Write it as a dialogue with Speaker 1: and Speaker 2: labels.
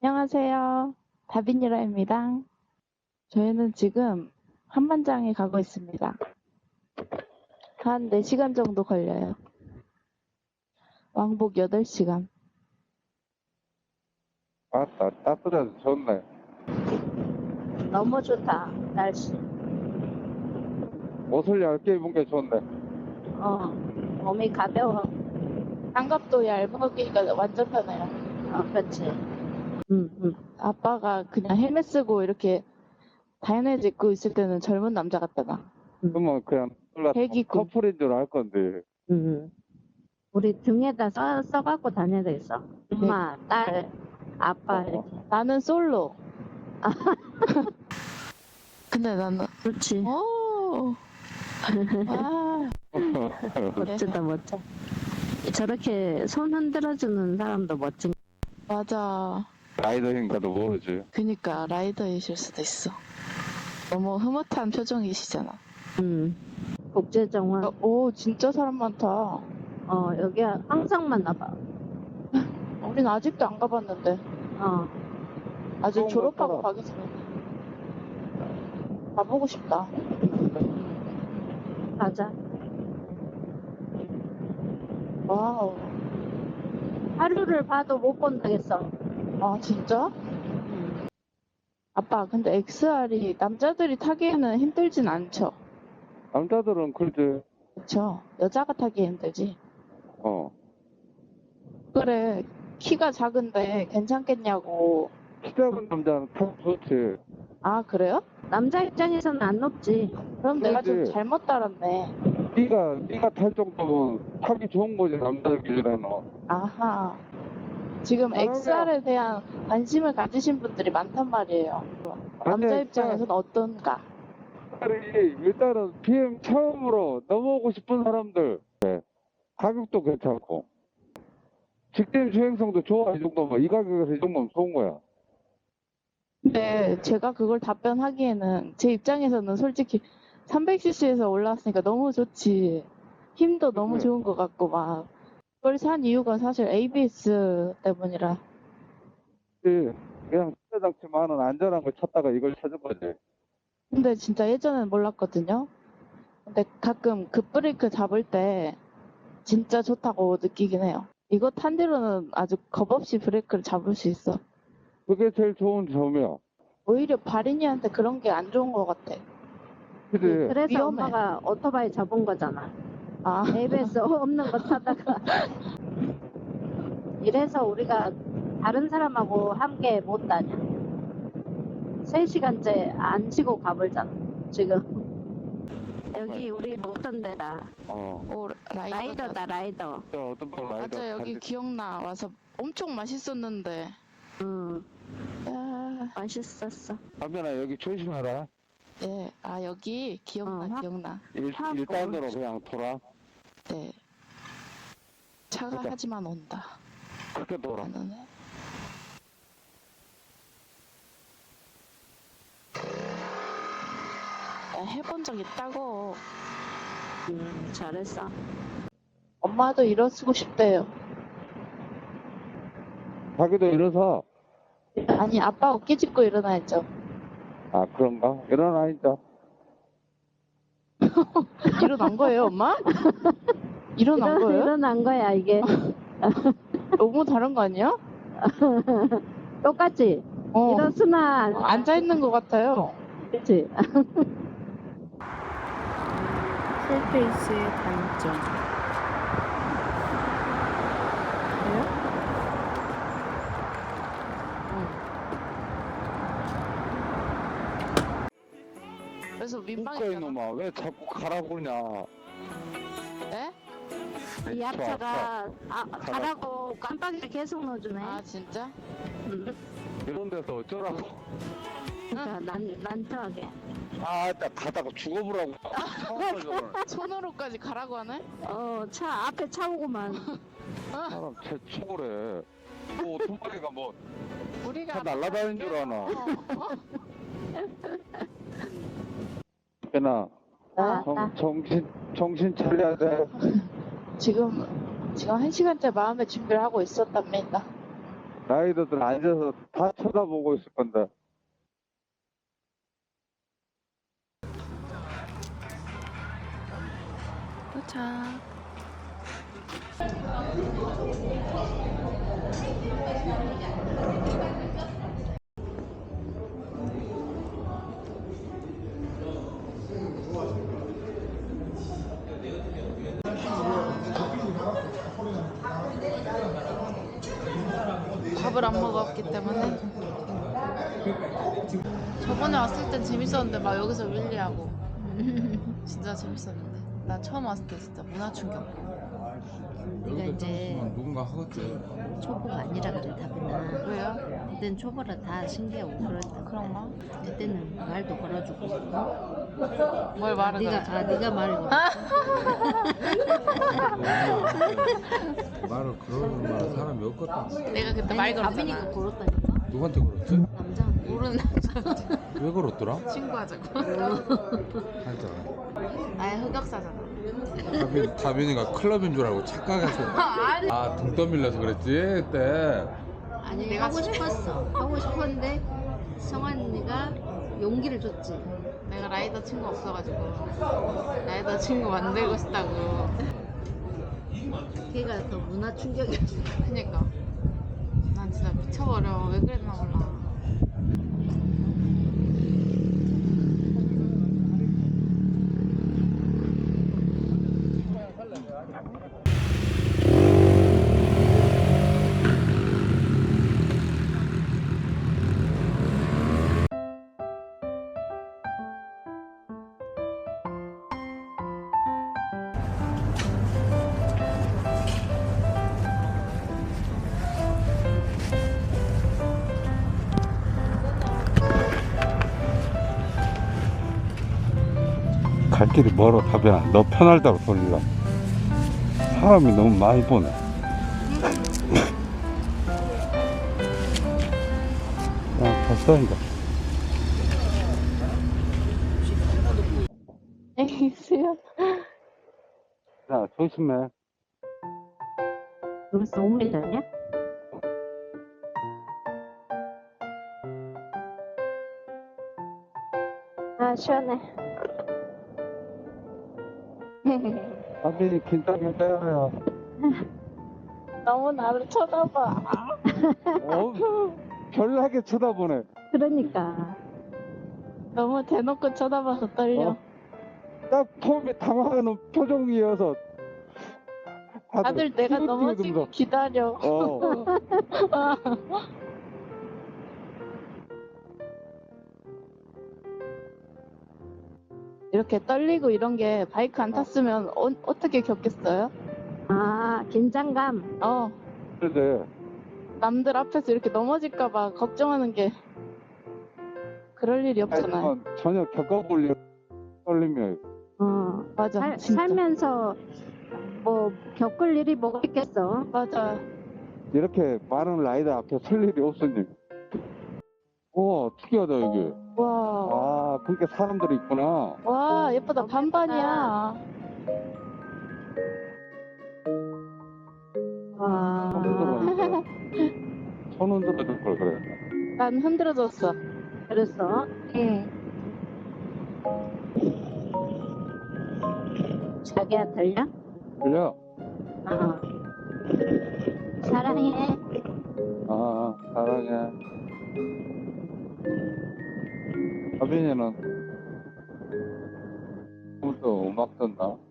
Speaker 1: 안녕하세요. 다빈이라입니다. 저희는 지금 한만장에 가고 있습니다. 한 4시간 정도 걸려요. 왕복 8시간.
Speaker 2: 아따, 따뜻해서 좋네.
Speaker 3: 너무 좋다, 날씨.
Speaker 2: 옷을 얇게 입은 게 좋네.
Speaker 3: 몸이 가벼워.
Speaker 1: 장갑도 얇으니까 완전 편해요.
Speaker 3: 그렇지.
Speaker 1: 아빠가 그냥 헬멧 쓰고 이렇게 다이너즈 입고 있을 때는 젊은 남자 같다가.
Speaker 2: 그러면 그냥
Speaker 1: 애기고.
Speaker 2: 커플인 줄 알 건데.
Speaker 3: 우리 등에다 써갖고 다녀야 되겠어. 엄마, 딸, 아빠, 이렇게.
Speaker 1: 나는 솔로. 근데 나는
Speaker 3: 그렇지.
Speaker 1: 오. 와.
Speaker 3: 멋지다, 멋져. 저렇게 손 흔들어주는 사람도 멋진.
Speaker 1: 맞아.
Speaker 2: 라이더인가도 모르지.
Speaker 1: 그니까 라이더이실 수도 있어. 너무 흐뭇한 표정이시잖아.
Speaker 3: 국제정원.
Speaker 1: 오, 진짜 사람 많다.
Speaker 3: 여기 항상 만나봐.
Speaker 1: 우린 아직도 안 가봤는데. 아직
Speaker 2: 좋은
Speaker 1: 졸업하고
Speaker 2: 거
Speaker 1: 가겠습니다. 가보고 싶다.
Speaker 3: 가자.
Speaker 1: 와우.
Speaker 3: 하루를 봐도 못 본다겠어.
Speaker 1: 아, 진짜? 아빠, 근데 XR이 남자들이 타기에는 힘들진 않죠?
Speaker 2: 남자들은 그러지.
Speaker 1: 그쵸? 여자가 타기 힘들지. 그래, 키가 작은데 괜찮겠냐고.
Speaker 2: 키 작은 남자는 타기 좋지.
Speaker 1: 아, 그래요?
Speaker 3: 남자 입장에서는 안 높지.
Speaker 1: 그럼 내가 좀
Speaker 2: 그러지.
Speaker 1: 잘못 따랐네.
Speaker 2: 네가 탈 정도면 타기 좋은 거지, 남자들끼리는.
Speaker 1: 아하. 지금 XR에 대한 관심을 가지신 분들이 많단 말이에요. 남자 입장에서는 어떤가?
Speaker 2: 일단은 BM 처음으로 넘어오고 싶은 사람들. 네. 가격도 괜찮고. 직진 주행성도 좋아, 이 정도면. 이 가격에서 이 정도면 좋은 거야.
Speaker 1: 근데 제가 그걸 답변하기에는 제 입장에서는 솔직히 300cc에서 올라왔으니까 너무 좋지. 힘도 너무 좋은 것 같고 막. 그걸 산 이유가 사실 ABS 때문이라.
Speaker 2: 그냥 차장치만은 안전한 걸 찾다가 이걸 찾은 거지.
Speaker 1: 근데 진짜 예전엔 몰랐거든요. 근데 가끔 급브레이크 잡을 때 진짜 좋다고 느끼긴 해요. 이거 탄 뒤로는 아주 겁없이 브레이크를 잡을 수 있어.
Speaker 2: 그게 제일 좋은 점이야.
Speaker 1: 오히려 발인이한테 그런 게 안 좋은 것 같아.
Speaker 2: 그지?
Speaker 3: 그래서
Speaker 1: 위험해.
Speaker 3: 엄마가 오토바이 접은 거잖아.
Speaker 1: 아,
Speaker 3: ABS 없는 거 타다가. 이래서 우리가 다른 사람하고 함께 못 다녀. 3시간째 안 쉬고 가볼잖아, 지금. 여기 우리 먹던 데다.
Speaker 1: 오,
Speaker 3: 라이더다, 라이더.
Speaker 2: 어떤 거 라이더.
Speaker 1: 맞아, 여기 기억나. 와서 엄청 맛있었는데. 아,
Speaker 3: 맛있었어.
Speaker 2: 담배나 여기 조심해라.
Speaker 1: 네. 아, 여기 기억나, 기억나.
Speaker 2: 일단으로 그냥 돌아.
Speaker 1: 네. 차가
Speaker 2: 그러니까.
Speaker 1: 하지만 온다.
Speaker 2: 그렇게 돌아.
Speaker 1: 나는 해본 적 있다고.
Speaker 3: 잘했어.
Speaker 1: 엄마도 일어서고 싶대요.
Speaker 2: 자기도 일어서.
Speaker 1: 아니, 아빠 어깨 짚고 일어나야죠.
Speaker 2: 아, 그런가? 일어나, 이제.
Speaker 1: 일어난 거예요, 엄마? 일어난 거예요?
Speaker 3: 일어난 거야, 이게.
Speaker 1: 너무 다른 거 아니야?
Speaker 3: 똑같지? 일어서나.
Speaker 1: 앉아있는 것 같아요.
Speaker 3: 그치?
Speaker 1: 풀페이스의 단점. 그래요? 그래서 민망했잖아.
Speaker 2: 이놈아, 왜 자꾸 가라고 그러냐.
Speaker 1: 네?
Speaker 3: 이 앞차가 가라고 깜빡이를 계속 넣어주네.
Speaker 1: 아, 진짜?
Speaker 2: 이런 데서 어쩌라고.
Speaker 3: 그러니까 난처하게.
Speaker 2: 아, 나 가다가 죽어보라고.
Speaker 1: 손으로까지 가라고 하네?
Speaker 3: 차 앞에 차 오고만.
Speaker 2: 사람 최초래. 뭐 오토바이가 뭐
Speaker 1: 우리가
Speaker 2: 차 날라다니는 줄 아나.
Speaker 1: 어?
Speaker 2: 배나 정신 차려야 돼.
Speaker 1: 지금 1시간째 마음의 준비를 하고 있었답니다.
Speaker 2: 라이더들 앉아서 다 쳐다보고 있을 건데.
Speaker 1: 도착. 밥을 안 먹었기 때문에 저번에 왔을 땐 재밌었는데 막 여기서 윌리하고 진짜 재밌었는데 나 처음 왔을 때 진짜 문화 충격.
Speaker 3: 네가 이제
Speaker 4: 누군가 하겠지.
Speaker 3: 초보가 아니라 그래 다빈아.
Speaker 1: 왜요?
Speaker 3: 그때는 초보라 다 신기하고 그랬다.
Speaker 1: 그런가?
Speaker 3: 그때는 말도 걸어주고
Speaker 1: 뭘 말을
Speaker 3: 네가
Speaker 1: 걸어줘?
Speaker 3: 네가 말을 걸어.
Speaker 4: 말을 그러는 사람이 없거든.
Speaker 1: 내가 그때 말
Speaker 3: 다빈이가
Speaker 1: 걸었잖아.
Speaker 3: 걸었다니까.
Speaker 4: 누구한테 걸었지?
Speaker 3: 남자.
Speaker 1: 모르는 남자한테
Speaker 4: 왜 걸었더라?
Speaker 1: 친구하자고.
Speaker 4: 살짝.
Speaker 1: 나의 흑역사잖아.
Speaker 4: 다빈이가 클럽인 줄 알고 착각해서.
Speaker 1: 아니.
Speaker 4: 아, 등 떠밀려서 그랬지, 그때.
Speaker 3: 아니
Speaker 1: 내가
Speaker 3: 하고 싶었어. 하고 싶었는데 성환이가 용기를 줬지.
Speaker 1: 내가 라이더 친구 없어가지고 라이더 친구 만들고 싶다고.
Speaker 3: 걔가 더 문화 충격이었어.
Speaker 1: 그니까 난 진짜 미쳐버려. 왜 그랬나 몰라.
Speaker 2: 갈 길이 멀어, 다빈아. 너 편할 대로 돌리라. 사람이 너무 많이 보네. 야, 됐어, 이제.
Speaker 1: 에이 수연.
Speaker 2: 야, 조심해.
Speaker 3: 벌써 5분 전이야? 아 시원해.
Speaker 2: 다빈이 긴장이 빼요.
Speaker 1: 너무 나를 쳐다봐.
Speaker 2: 별나게 쳐다보네.
Speaker 3: 그러니까.
Speaker 1: 너무 대놓고 쳐다봐서 떨려.
Speaker 2: 딱 처음에 당황하는 표정이어서
Speaker 1: 다들 내가 넘어지고
Speaker 2: 찌그찌그면서.
Speaker 1: 기다려. 이렇게 떨리고 이런 게 바이크 안 탔으면 어떻게 겪겠어요?
Speaker 3: 아 긴장감.
Speaker 2: 그래.
Speaker 1: 남들 앞에서 이렇게 넘어질까봐 걱정하는 게 그럴 일이 없잖아요.
Speaker 2: 하지만 전혀 겪어볼 일 떨림이에요.
Speaker 1: 맞아, 진짜.
Speaker 3: 살면서 뭐 겪을 일이 뭐가 있겠어.
Speaker 1: 맞아.
Speaker 2: 이렇게 많은 라이더 앞에 설 일이 없으니. 우와, 특이하다, 이게.
Speaker 1: 와,
Speaker 2: 아, 그러니까 사람들이 있구나.
Speaker 1: 와 예쁘다. 반반이야.
Speaker 3: 와.
Speaker 2: 손 흔들어 줄 걸 그랬다.
Speaker 1: 난 흔들어졌어.
Speaker 3: 그랬어.
Speaker 1: 응.
Speaker 3: 자기야 들려?
Speaker 2: 들려?
Speaker 3: 어. 사랑해.
Speaker 2: 아, 사랑해. 하빈이는 오늘도 음악 듣나?